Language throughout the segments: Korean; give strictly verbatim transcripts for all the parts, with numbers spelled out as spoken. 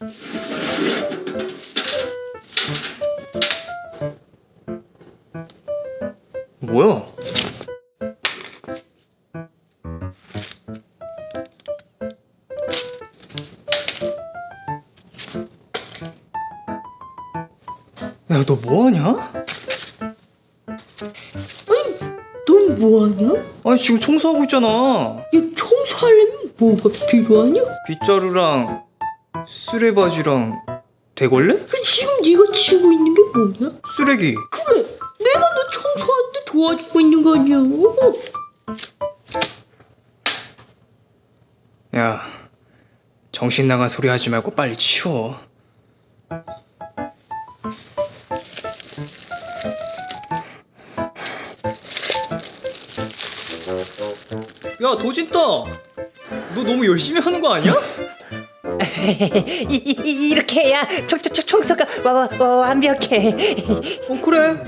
뭐야? 야, 너 뭐하냐? 아니, 넌 뭐하냐? 아니, 지금 청소하고 있잖아. 야, 청소하려면 뭐가 필요하냐? 빗자루랑 쓰레바지랑 대걸레? 그 지금 네가 치고 있는 게 뭐냐? 쓰레기. 그래, 내가 너 청소하는데 도와주고 있는 거 아니야? 야, 정신 나간 소리 하지 말고 빨리 치워. 야, 도진따, 너 너무 열심히 하는 거 아니야? 이, 이, 이렇게 해야 청, 청, 청소가 와, 와, 와, 완벽해. 어, 그래.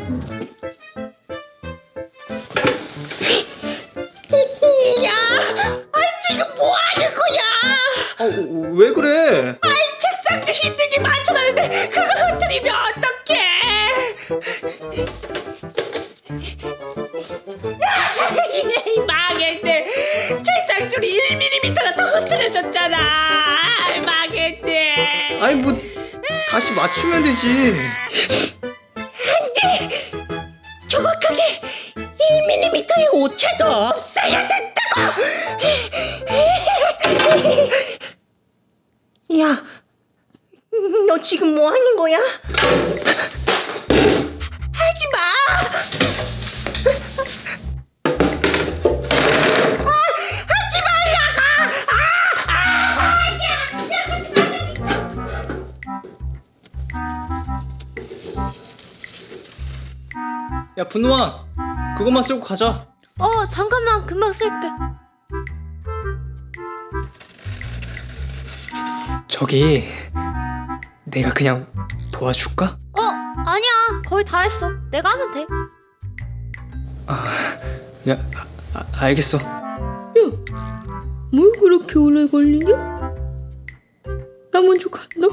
야, 아니 지금 뭐 하는 거야? 아, 어, 왜 그래? 아이 책상 좀 힘들게 맞춰놨는데 그거 흐트리면 어떡해? 망했네. 책상 줄이 일 밀리미터가 더 흐트러졌잖아. 망했네. 아니, 뭐 다시 맞추면 되지. 정확하게 일 밀리미터의 오차도 없어야 된다고. 야, 너 지금 뭐 하는 거야? 하지 마. 하지 말라고. 야, 분노아, 그것만 쓰고 가자. 어, 잠깐만, 금방 쓸게. 저기, 내가 그냥 도와줄까? 어, 아니야. 거의 다 했어. 내가 하면 돼. 야, 아, 아, 알겠어. 뭘 그렇게 오래 걸리냐? 나 먼저 간다.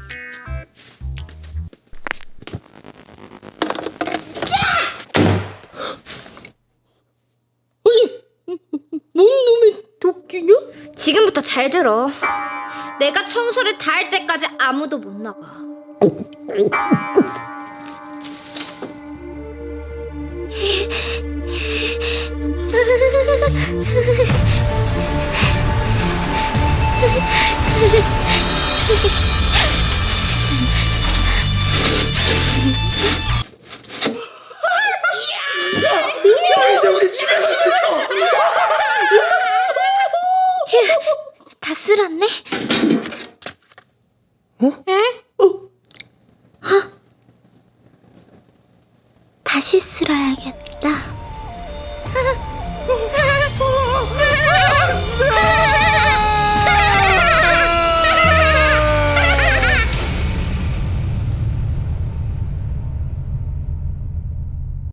아니, 뭔 놈의 도끼냐? 지금부터 잘 들어. 내가 청소를 다 할 때까지 아무도 못 나가. 다 쓸었네? 어? 다시 쓸어야겠다.